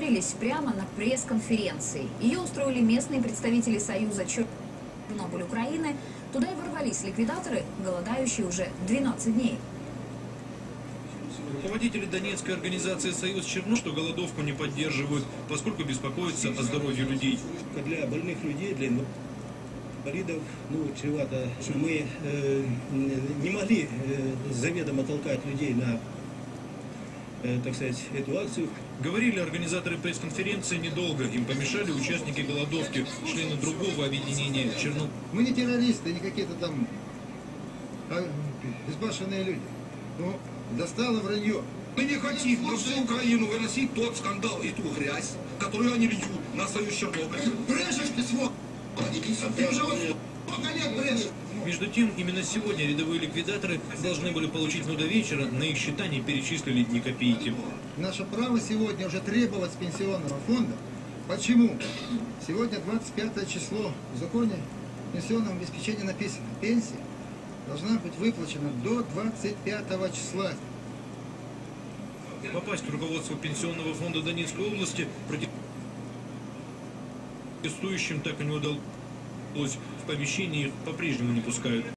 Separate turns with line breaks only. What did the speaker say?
договорились прямо на пресс-конференции. Ее устроили местные представители Союза Чернобыль Украины. Туда и ворвались ликвидаторы, голодающие уже 12 дней.
Руководители донецкой организации «Союз Чернобыль» что голодовку не поддерживают, поскольку беспокоятся о здоровье людей.
Для больных людей, для инвалидов, чревато. Мы не могли заведомо толкать людей на, так сказать, эту акцию.
Говорили организаторы пресс-конференции недолго. Им помешали участники голодовки, члены другого объединения «Чернобыль».
Мы не террористы, не какие-то там безбашенные люди. Но достало вранье.
Мы не хотим на всю Украину выносить тот скандал и ту грязь, которую они льют на Союз Чернобыль. Брешешь ты, сволочь! Ты уже вот сколько лет брешешь!
Между тем, именно сегодня рядовые ликвидаторы должны были получить, до вечера на их счета не перечислили ни копейки.
Наше право сегодня уже требовать с пенсионного фонда. Почему? Сегодня 25 число. В законе о пенсионном обеспечении написано: пенсия должна быть выплачена до 25 числа.
Попасть в руководство пенсионного фонда Донецкой области протестующим так и не удалось. В помещении их по-прежнему не пускают.